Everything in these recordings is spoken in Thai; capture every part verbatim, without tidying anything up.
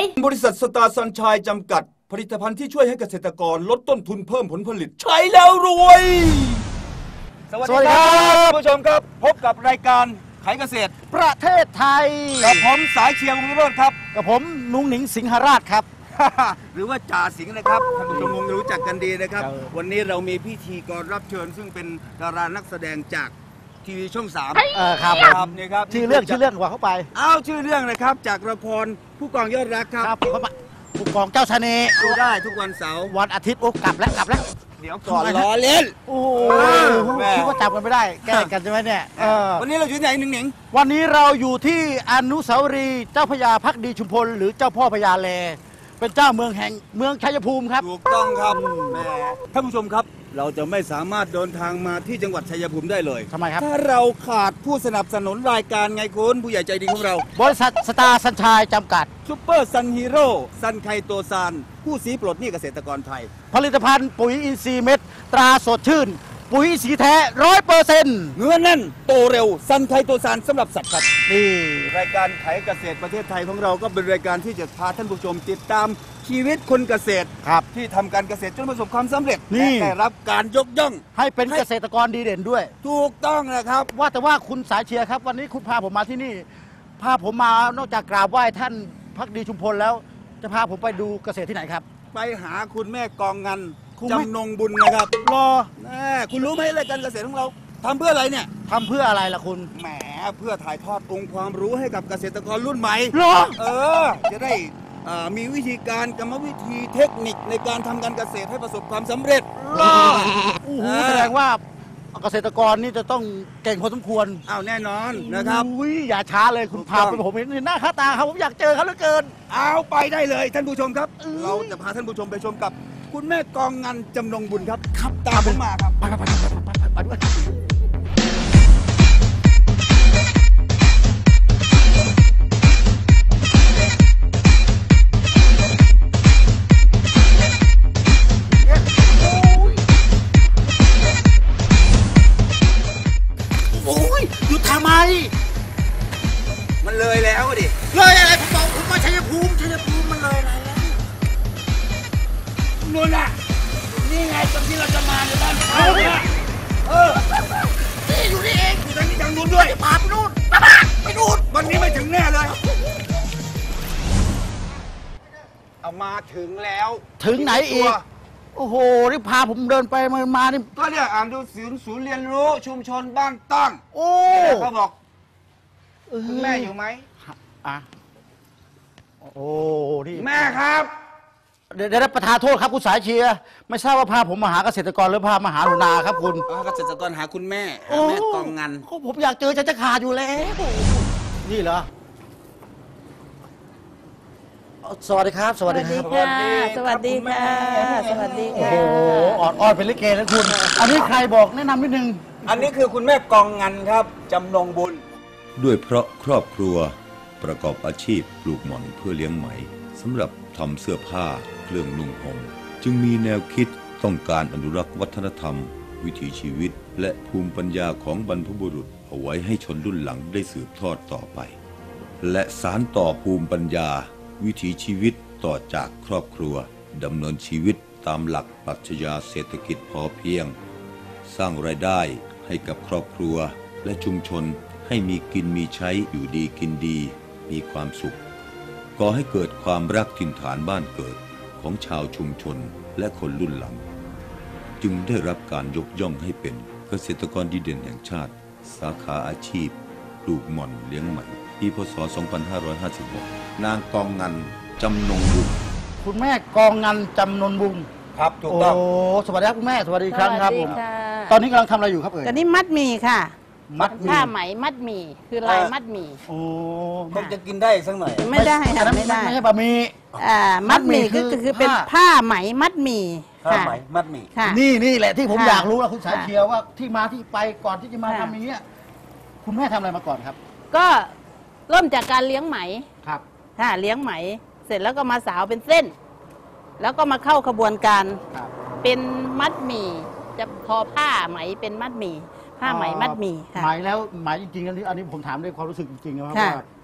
บริษัทสตาร์ซันชัยจำกัดผลิตภัณฑ์ที่ช่วยให้เกษตรกรลดต้นทุนเพิ่มผลผลิตใช้แล้วรวยสวัสดีครับผู้ชมครับพบกับรายการขายเกษตรประเทศไทยกับผมสายเชียร์วงศ์โรจน์ครับกับผมนุ้งหนิงสิงหราชครับหรือว่าจ่าสิงห์นะครับท่านผู้ชมคงรู้จักกันดีนะครับวันนี้เรามีพิธีกรรับเชิญซึ่งเป็นดารานักแสดงจากทีวีช่องสามเออครับครับนี่ครับชื่อเรื่องชื่อเรื่องว่าเข้าไปอ้าวชื่อเรื่องนะครับจากละครผู้กองยอดรักครับครับผู้กองเจ้าชะนีดูได้ทุกวันเสาร์วันอาทิตย์โอ้กลับแล้วกลับแล้วเดี๋ยวก่อนล้อเล่นโอ้คิดว่าจับกันไม่ได้แก้กันใช่ไหมเนี่ยวันนี้เราอยู่ที่ไหนหนึ่งหนิงวันนี้เราอยู่ที่อนุสาวรีย์เจ้าพระยาภักดีชุมพลหรือเจ้าพ่อพญาแลเป็นเจ้าเมืองแห่งเมืองชัยภูมิครับถูกต้องครับแม่ท่านผู้ชมครับเราจะไม่สามารถเดินทางมาที่จังหวัดชัยภูมิได้เลยทำไมครับถ้าเราขาดผู้สนับสนุนรายการไงคุณผู้ใหญ่ใจดีของเราบริษัทสตาร์ซันชัยจำกัดซุปเปอร์ซันฮีโร่ซันไคโตซานผู้สีปลดหนี้เกษตรกรไทยผลิตภัณฑ์ปุ๋ยอินทรีย์เม็ดตราสดชื่นปุ๋ยสีแท้ร้อยเปอร์เซ็นต์เนื้อแน่นโตเร็วซันไคโตซานสำหรับสัตว์ครับนี่รายการขายเกษตรประเทศไทยของเราก็เป็นรายการที่จะพาท่านผู้ชมติดตามชีวิตคนเกษตรครับที่ทำการเกษตรจนประสบความสำเร็จและได้รับการยกย่องให้เป็นเกษตรกรดีเด่นด้วยถูกต้องนะครับว่าแต่ว่าคุณสายเชียร์ครับวันนี้คุณพาผมมาที่นี่พาผมมานอกจากกราบไหว้ท่านภักดีชุมพลแล้วจะพาผมไปดูเกษตรที่ไหนครับไปหาคุณแม่กองงันจำนงบุญนะครับรอแม่คุณรู้ไหมรายการเกษตรของเราทำเพื่ออะไรเนี่ยทำเพื่ออะไรล่ะคุณแหมเพื่อถ่ายทอดองค์ความรู้ให้กับเกษตรกรรุ่นใหม่รอเออจะได้มีวิธีการกรรมวิธีเทคนิคในการทำการเกษตรให้ประสบความสำเร็จรอโอ้โหแสดงว่าเกษตรกรนี่จะต้องเก่งพอสมควรอ้าวแน่นอนนะครับอุ้ยอย่าช้าเลยคุณพาไปผมเห็นหน้าค่าตาครับผมอยากเจอเขาเหลือเกินเอาไปได้เลยท่านผู้ชมครับเราจะพาท่านผู้ชมไปชมกับคุณแม่กองงันจำนงบุญครับครับตามผมมาครับไปไปไปไปไปโอ้ยหยุดทำไมมันเลยแล้วดิเลยอะไรผมบอกผมว่าชัยภูมิชัยภูมิมันเลยอะไรแล้วนู่นน่ะนี่ไงตรงที่เราจะมาในบ้านเขาเนี่ยเออนี่อยู่นี่เองอยู่ทางนี้ทางนู้นด้วยพาไปนู่นไปนู่นวันนี้ไม่ถึงแน่เลยเอามาถึงแล้วถึงไหนอีกโอ้โหนี่พาผมเดินไปมามานี่ก็เนี่ยอ่านดูศูนย์ศูนย์เรียนรู้ชุมชนบ้านตั้งโอ้เขาบอกคุณแม่อยู่ไหมอ่ะโอ้นี่แม่ครับเดี๋ยวได้ประทานโทษครับคุณสายเชียร์ไม่ทราบว่าพาผมมาหาเกษตรกรหรือพามาหาหนูนาครับคุณเกษตรกรหาคุณแม่แม่กองงันผมอยากเจอจะจะขาดอยู่แล้วนี่เหรอสวัสดีครับสวัสดีครับสวัสดีค่ะสวัสดีค่ะโอ้โหออดอ้อนเป็นลิเกนะคุณอันนี้ใครบอกแนะนำนิดนึงอันนี้คือคุณแม่กองงันครับจำนงบุญด้วยเพราะครอบครัวประกอบอาชีพปลูกหม่อนเพื่อเลี้ยงไหมสำหรับทำเสื้อผ้าเครื่องนุ่งห่มจึงมีแนวคิดต้องการอนุรักษ์วัฒนธรรมวิถีชีวิตและภูมิปัญญาของบรรพบุรุษเอาไว้ให้ชนรุ่นหลังได้สืบทอดต่อไปและสานต่อภูมิปัญญาวิถีชีวิตต่อจากครอบครัวดำเนินชีวิตตามหลักปรัชญาเศรษฐกิจพอเพียงสร้างรายได้ให้กับครอบครัวและชุมชนให้มีกินมีใช้อยู่ดีกินดีมีความสุขก่อให้เกิดความรักถิ่นฐานบ้านเกิดของชาวชุมชนและคนรุ่นหลังจึงได้รับการยกย่องให้เป็นเกษตรกรดีเด่นแห่งชาติสาขาอาชีพปลูกหม่อนเลี้ยงไหมปีพ.ศ. สองพันห้าร้อยห้าสิบหกนางกองงันจำนงบุญคุณแม่กองงันจำนงบุญครับถูกต้องโอ้สวัสดีครับคุณแม่สวัสดีครั้งครับผมตอนนี้กำลังทำอะไรอยู่ครับเอ่ยตอนนี้มัดหมี่ค่ะมัดผ้าไหมมัดหมี่คือลายมัดหมี่โอ้ต้องจะกินได้สักหน่อยไม่ได้ค่ะไม่ได้ไม่ใช่บะหมี่อ่ามัดหมี่คือคือเป็นผ้าไหมมัดหมี่ผ้าไหมมัดหมี่นี่นี่แหละที่ผมอยากรู้แล้วคุณสายเชียร์ว่าที่มาที่ไปก่อนที่จะมาทำอย่างเงี้ยคุณแม่ทำอะไรมาก่อนครับก็เริ่มจากการเลี้ยงไหมครับค่ะเลี้ยงไหมเสร็จแล้วก็มาสาวเป็นเส้นแล้วก็มาเข้าขบวนการเป็นมัดหมี่จะทอผ้าไหมเป็นมัดหมี่ผ้าไหมมัดหมี่ค่ะไหมแล้วไหมจริงๆอันนี้อันนี้ผมถามด้วยความรู้สึกจริงๆนะครับว่า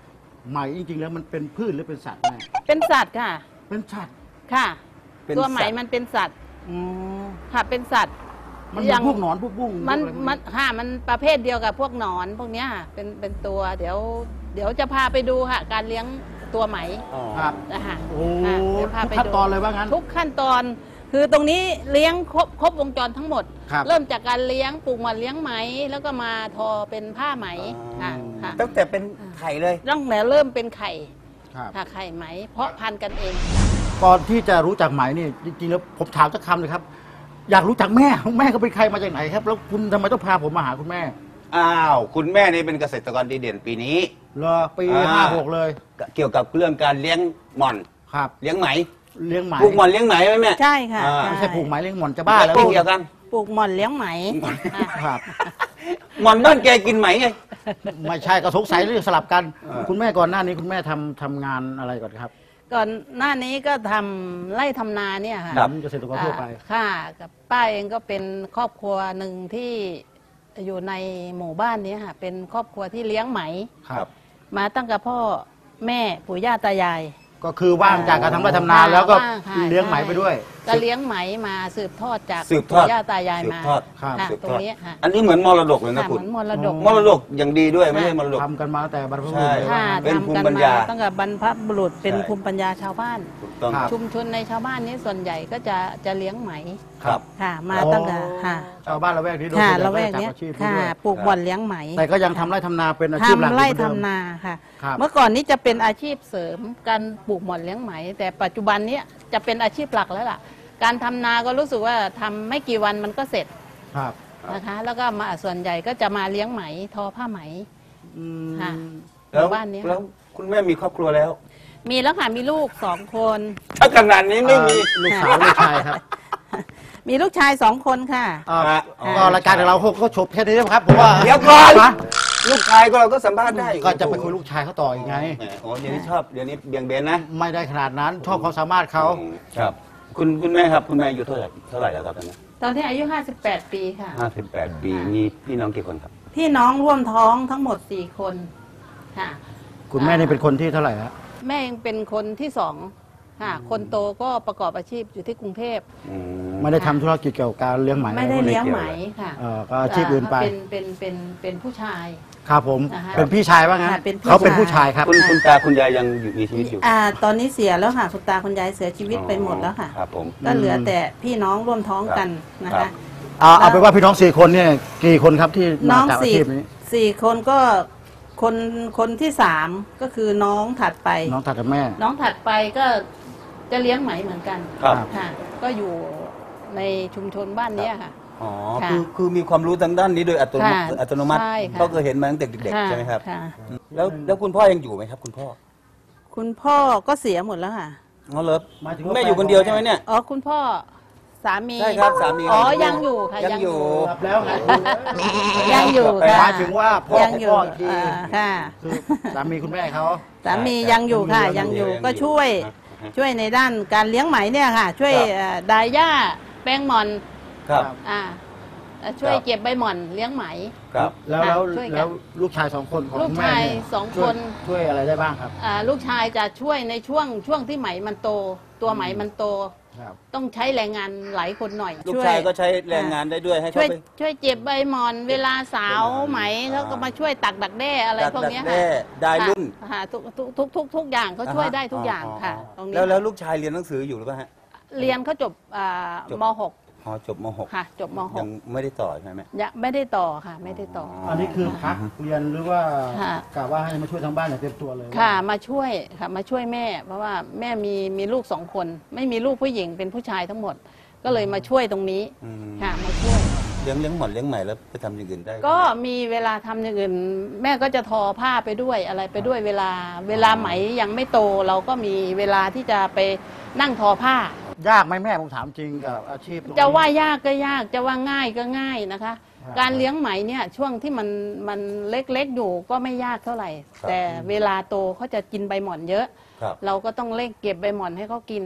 ไหมจริงๆแล้วมันเป็นพืชหรือเป็นสัตว์แม่เป็นสัตว์ค่ะเป็นสัตว์ค่ะเป็นตัวไหมสัตว์มันเป็นสัตว์อืมค่ะเป็นสัตว์มันอมีย่างพวกหนอนพวกบุ้งมันพวกอะไรพวกมันค่ะมันประเภทเดียวกับพวกหนอนพวกเนี้ยค่ะเป็นเป็นตัวเดี๋ยว เดี๋ยวจะพาไปดูค่ะ การเลี้ยงตัวไหมอ๋อครับนะคะโอ้ค่ะเดี๋ยวพาทุกไปขั้นดูตอนเลยว่างั้นทุกขั้นตอนคือตรงนี้เลี้ยงครบครบวงจรทั้งหมดครับเริ่มจากการเลี้ยงปลูกหมันเลี้ยงไหม แล้วก็มาทอเป็นผ้าไหมค่ะค่ะตั้งแต่เป็นไข่เลยตั้งแต่เริ่มเป็นไข่ครับค่ะไข่ไหม เพราะพันธุ์กันเองก่อนที่จะรู้จักไหมนี่จริงๆแล้วผมถามสักคำเลยครับ อยากรู้จักแม่แม่เขาเป็นใครมาจากไหนครับ แล้วคุณทำไมต้องพาผมมาหาคุณแม่อ้าว คุณแม่นี่เป็นเกษตรกรดีเด่นปีนี้เหรอปีอ่าห้าหกเลยเกี่ยวกับเรื่องการเลี้ยงหม่อนครับเลี้ยงไหมเลี้ยงไหมปลูกหม่อนเลี้ยงไหมไหมแม่ใช่ค่ะอ่าไม่ใช่ปลูกไหมเลี้ยงหมอนจะบ้าแล้วไม่เกี่ยวกันปลูกหม่อนเลี้ยงไหมอ่ะครับหม่อนบ้านแกกินไหมไงไม่ใช่ก็สงสัยเรื่องสลับกันเออคุณแม่ก่อนหน้านี้คุณแม่ทำทำงานอะไรก่อนครับก่อนหน้านี้ก็ทำไร่ทำนาเนี่ยค่ะครับเกษตรกรทั่วไปอ่าค่ะกับป้าเองก็เป็นครอบครัวหนึ่งที่อยู่ในหมู่บ้านนี้ค่ะ เป็นครอบครัวที่เลี้ยงไหมครับมาตั้งแต่พ่อแม่ปู่ย่าตายายก็คือว่างจากการทำไร่ทำนาแล้วก็ว่างค่ะเลี้ยงไหมไปด้วยก็เลี้ยงไหมมาสืบทอดจากสืบทอดปู่ย่าตายายสืบมาทอดครับค่ะสืบตรทงอดนี้ค่ะอันนี้เหมือนมรดกเลยนะค่ะคุเหณมือนมรดกมรดกอย่างดีด้วยไม่ใช่มรดกทำกันมาตั้งแต่บรรพบุรุษใช่เลยค่ะเป็นภูมิทำกัปัญญาตั้งแต่บรรพบุรุษเป็นใช่ภูมิปัญญาชาวบ้านถูกต้องครับชุมชนในชาวบ้านนี้ส่วนใหญ่ก็จะจะเลี้ยงไหมครับค่ะ มาตั้งแต่ค่ะชาวบ้านละแวกนี้โดยค่ะส่วนใหญ่ละแวกก็เนี้จะยจับอาชีพนี้ค่ะด้วยปลูกบ่อนเลี้ยงไหมแต่ก็ยังทำไร่ทำนาเป็นอาชีพหลักทำไร่อยู่เหมือนทำเดิมนาค่ะครับเมื่อก่อนนี้จะเป็นอาชีพเสริมการปลูกหม่อนเลี้ยงไหม แต่ปัจจุบันเนี้ยจะเป็นอาชีพหลักแล้วล่ะ การทำนาก็รู้สึกว่าทำไม่กี่วันมันก็เสร็จครับนะคะ แล้วก็มาส่วนใหญ่ก็จะมาเลี้ยงไหมทอผ้าไหมอืมค่ะ หแล้วมู่บ้านเนี้ยแล้วคุณแม่มีครอบครัวแล้วมีแล้วค่ะมีลูกสองคนถ้าขนาดนี้ไม่มีเอ่อลูกสาวลูกชายครับมีลูกชายสองคนค่ะเอ่ออ่ะก็รายการของเราก็จบแค่นี้นะครับผมว่าเดี๋ยวก่อนนะลูกชายก็เราก็สัมภาษณ์ได้ก็จะไปคุยลูกชายเขาต่ออีกไงแหมโอ้เดี๋ยวนี้ชอบเดี๋ยวนี้เบี่ยงเบนนะไม่ได้ขนาดนั้นชอบความสามารถเขาครับ คุณคุณแม่ครับ คุณแม่อายุเท่าไหร่เท่าไหร่แล้วครับตอนนี้ตอนที่อายุห้าสิบแปดปีค่ะห้าสิบแปดปีมีพี่น้องกี่คนครับพี่น้องร่วมท้องทั้งหมดสี่คนค่ะคุณแม่นี่เป็นคนที่เท่าไหร่ฮะแม่เองเป็นคนที่สองค่ะ คนโตก็ประกอบอาชีพอยู่ที่กรุงเทพอืมไม่ได้ทำธุรกิจเกี่ยวกับการเลี้ยงไหมไม่ได้อะรพวกนี้เลี้ยงไหมค่ะเอ่อก็อาชีพอื่นไปเป็นเป็นเป็นเป็นผู้ชายครับผมนะคะเป็นพี่ชายว่างั้นค่ะเป็นพี่เขาเป็นผู้ชาชาย ยครับคุณคุณตาคุณยายยังอยู่มีชีวิตอยู่อ่าตอนนี้เสียแล้วค่ะคุณตาคุณยายเสียชีวิตไปหมดแล้วค่ะครับผมก็เหลือแต่พี่น้องร่วมท้องกันนะครัคะบเอาเอาเป็นว่าพี่น้องสี่คนเนี่ยกี่คนครับที่น้มาองจากอาสี่ชีพนี้สี่คนก็คนคนที่สามก็คือน้องถัดไปน้องถัดจากแม่น้องถัดไปก็จะเลี้ยงไหมเหมือนกันครับค่ะ ก็อยู่ในชุมชนบ้านเนี้ยค่ะอ๋อค่ะคือคือมีความรู้ทางด้านนี้โดยอัตโนมัติค่ะอัตโนมัติใช่ค่ะก็เคยเห็นมาตั้งแต่เด็กๆใช่ไหมครับค่ะแล้วแล้วคุณพ่อยังอยู่ไหมครับ คุณพ่อคุณพ่อก็เสียหมดแล้วค่ะอ๋อเหรอหมายถึงว่าแม่อยู่คนเดียวใช่ไหมเนี่ยอ๋อคุณพ่อสามีใช่ครับสามีอ๋อของคุณยังอยู่ค่ะยังอยู่ครับแล้วไงยังอยู่หค่ะมายถึงว่าพ่อยังของอยู่พ่ออีกทีอ่าค่ะคือสามีคุณแม่เขาสามียังอยู่ค่ะยัยังงออยู่ยู่ก็ช่วยช่วยในด้านการเลี้ยงไหมเนี่ยค่ะ ช่วยครับเอ่อดายหญ้าแป้งหมอนครับอ่าเอ่อช่วยครับเก็บใบหม่อนเลี้ยงไหมครับแล้วแล้วช่วยกันแล้วลูกชายสองคนของลูกคุณแม่ชายเนี่สองช่วยคนช่วยอะไรได้บ้างครับอ่าลูกชายจะช่วยในช่วงช่วงที่ไหมมันโต ตัวไหมมันโตครับต้องใช้แรงงานหลายคนหน่อยลูกช่วชายก็ใช้แรงงานได้ด้วยให้ช่วเขายไปช่วยเจ็บใบหมอนเวลาสาวไหมเขาก็มาช่วยตักดักแด้อะไรพวกเนี้ยดัค่ะแด้ได้รุ่นค่ะทุกทุกทุกทุกทุกอย่างเขาช่วยได้ทุกอย่างค่ะ ตรงนี้แล้วแล้วลูกชายเรียนหนังสืออยู่หรือเปล่าฮะเรียนเขาจบอ่าจบม .หกอ๋อจบม .หกค่ะ จบมยัง .หกไม่ได้ต่อใช่ไหมยังไม่ได้ต่อค่ะ ไม่ได้ต่ออันนี้คือพักเรียนหรือว่าค่ะกะว่าให้มาช่วยทางบ้านอย่างเต็มตัวเลยค่ะมาช่วยค่ะมาช่วยแม่ เพราะว่าแม่มีมีลูกสองคน ไม่มีลูกผู้หญิงเป็นผู้ชายทั้งหมด ก็เลยมาช่วยตรงนี้อืมค่ะมาช่วยเลี้ยงเลี้ยงหมอนเลี้ยงใหม่แล้วไปทำอย่างอื่นได้ก็มีเวลาทำอย่างอื่น แม่ก็จะทอผ้าไปด้วยอะไรไปด้วยเวลา เวลาไหมยังไม่โต เราก็มีเวลาที่จะไปนั่งทอผ้ายากไหมแม่ผมถามจริงกับอาชีพตรงนี้จะว่ายากก็ยากจะว่าง่ายก็ง่ายนะคะครับการเลี้ยงไหมเนี่ยช่วงที่มันมันเล็กๆอยู่ก็ไม่ยากเท่าไหร่ แต่เวลาโตเขาจะกินใบหม่อนเยอะครับเราก็ต้องเร่งเก็บใบหม่อนให้เขากิน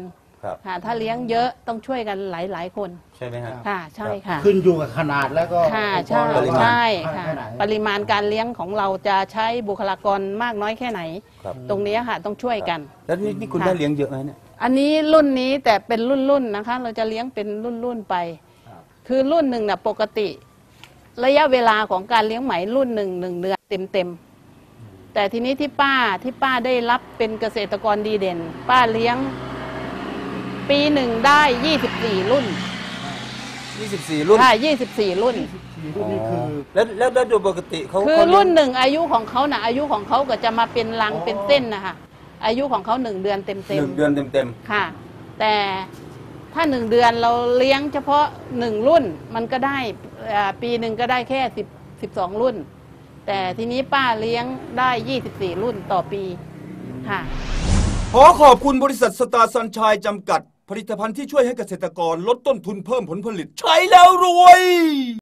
ครับค่ะถ้าเลี้ยงเยอะต้องช่วยกันหลายๆคนใช่ไหมฮะค่ะใช่ค่ะขึ้นอยู่กับขนาดแล้วก็ค่ะองค์กใช่รเราว่าใช่ให้ค่ะแค่ไหนปริมาณการเลี้ยงของเราจะใช้บุคลากรมากน้อยแค่ไหนครับตรงนี้ค่ะต้องช่วยกันแล้วนี่นี่คุณค่ะได้เลี้ยงเยอะไหมเนี่ยอันนี้รุ่นนี้แต่เป็นรุ่นรุ่นๆนะคะ เราจะเลี้ยงเป็นรุ่นรุ่นๆไป คือรุ่นหนึ่งน่ะปกติ ระยะเวลาของการเลี้ยงไหมรุ่นหนึ่งหนึ่งเดือนเต็มเต็มๆแต่ทีนี้ที่ป้าที่ป้าได้รับเป็นเกษตรกรดีเด่น ป้าเลี้ยง ปีหนึ่งได้ยี่สิบสี่รุ่นยี่สิบสี่ รุ่นค่ะยี่สิบสี่รุ่นสี่รุ่นนี้คือแล้วแล้วแล้วโดยปกติเขาคือเขาเลี้ยงรุ่นหนึ่งอายุของเขาน่ะอายุของเขาก็จะมาเป็นรังเป็นเส้นนะคะอายุของเขาหนึ่งเดือนเต็มหเต็มนึ่งเดือนเต็มเต็มค่ะ แต่ถ้าหนึ่งเดือนเราเลี้ยงเฉพาะหนึ่งรุ่นมันก็ได้อ่าปีหนึ่งก็ได้แค่สิบสิบสองรุ่น แต่ทีนี้ป้าเลี้ยงได้ยี่สิบสี่รุ่นต่อปีค่ะขอขอบคุณบริษัทสตาร์ซันชัยจำกัด ผลิตภัณฑ์ที่ช่วยให้เกษตรกรลดต้นทุนเพิ่มผลผลิต ใช้แล้วรวย